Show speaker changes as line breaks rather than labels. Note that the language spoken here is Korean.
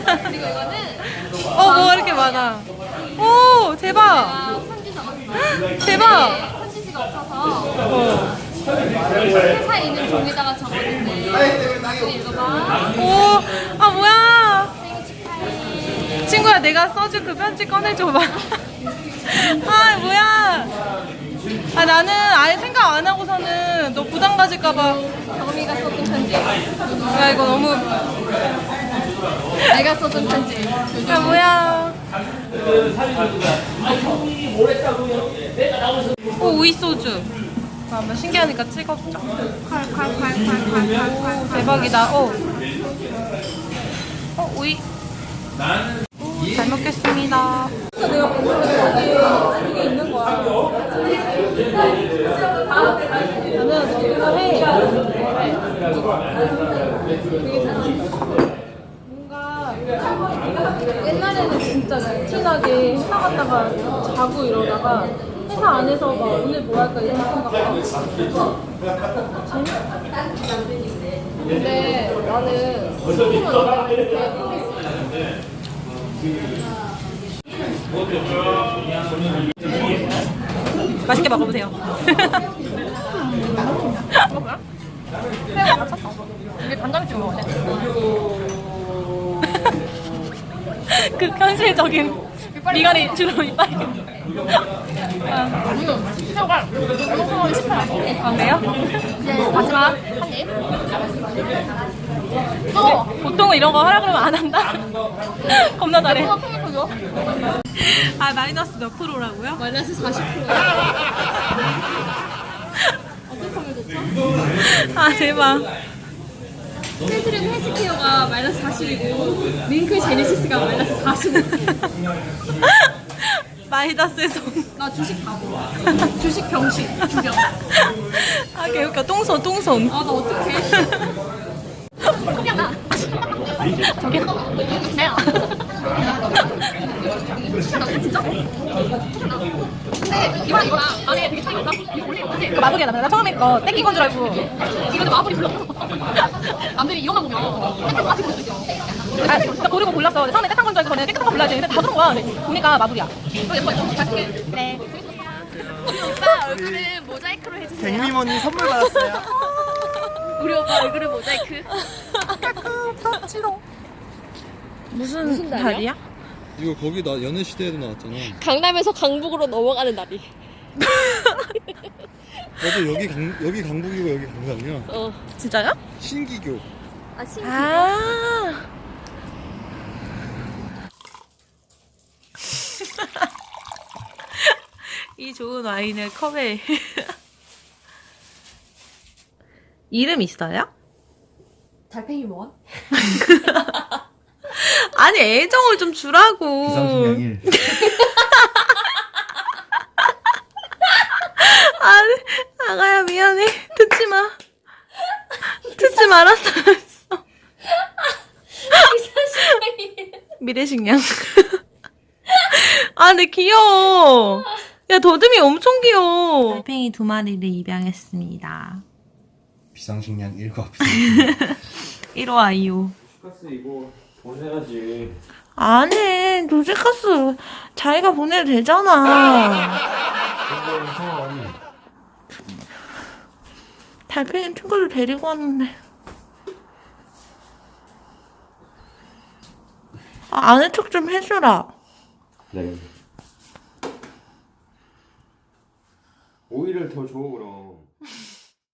그리고 이거는
뭐 이렇게 많아. 오, 대박.
편지 적었어.
대박.
편지지가 없어서 회사에 있는 종이다가 적었는데 나중에 읽어봐.
오, 아, 뭐야.
생일 축하해.
친구야, 내가 써준 그 편지 꺼내줘봐. 아, 뭐야. 아, 나는 아예 생각 안 하고서는 너 부담 가질까봐.
경미가 써준 편지.
야, 이거 너무.
내가 써준 편지.
야, 뭐야. 오, 오이소주. 한번 신기하니까 찍어보자. 오, 대박이다. 오이. 오, 잘 먹겠습니다. 내가 보는 게 있는 거야. 나는 이거 해. 되게 재밌어. 뭔가 옛날에는 진짜 루틴하게 회사 갔다가 자고 이러다가 회사 안에서 막 오늘 뭐 할까 이런 생각하고 재밌어. 근데 나는 소금은 이렇게 맛있게 먹어보세요. 뭐야? 새우가 맞췄어. 이게 간장에 찍어 먹어야 돼. 그 현실적인 미간이 주로 이빨이. 새우가 너무 싶어요. 아, 그래요?
이제 마지막 한 입.
보통은 이런 거 하라 그러면 안 한다? 겁나 잘해.
줘.
아, 마이너스 몇 프로라고요?
마이너스 40%. 어떻게 하면 좋죠?
아, 대박.
필트랩 헬스케어가 마이너스 40이고 링크 제네시스가 마이너스 45.
마이너스에서.
나 주식 바보. 주식 병신. 주병.
아, 개웃겨. 똥손.
아, 나 어떡해. 그냥 나.
저기요.
내가. 진짜? 근데 이거랑 안에 되게 차이가 있다. 이거 원래 이거지?
그 마블이야. 나 처음에 거 땡긴 건 줄 알고.
이거는 마블이 불러. 남들이 이것만 보면 땡땡 같이 볼 수 있어.
아, 나 고르고 골랐어. 처음에 깨끗한 건 줄 알고 전에 깨끗한 거 골라야지. 근데 다 그런 거야. 근데 보니까 마블이야.
예뻐. 잘 쓸게.
네.
우리 오빠 얼굴은 모자이크로 해주세요.
백미모님 선물 받았어요.
우리 오빠 얼굴은 모자이크.
무슨 달이야?
이거 거기 나 연애 시대에도 나왔잖아.
강남에서 강북으로 넘어가는 날이.
나도 여기 강북이고 여기 강남이야.
진짜요?
신기교.
아, 신기.
아. 이 좋은 와인을 컵에. 이름 있어요?
달팽이 원?
아니, 애정을 좀 주라고.
비상식량 1.
아니, 아가야, 미안해. 듣지 마. 듣지 말았어. 미래식량. 아, 근데 귀여워. 야, 더듬이 엄청 귀여워. 달팽이 2마리를 입양했습니다.
비상식량 1과 비상식량
1호 아이오.
카스 이거 보내야지.
안 해. 도시카스 자기가 보내도 되잖아.
이거 이상하니.
달팽이 친구를 데리고 왔는데. 아, 아는 척 좀 해주라.
네. 오이를 더 줘 그럼.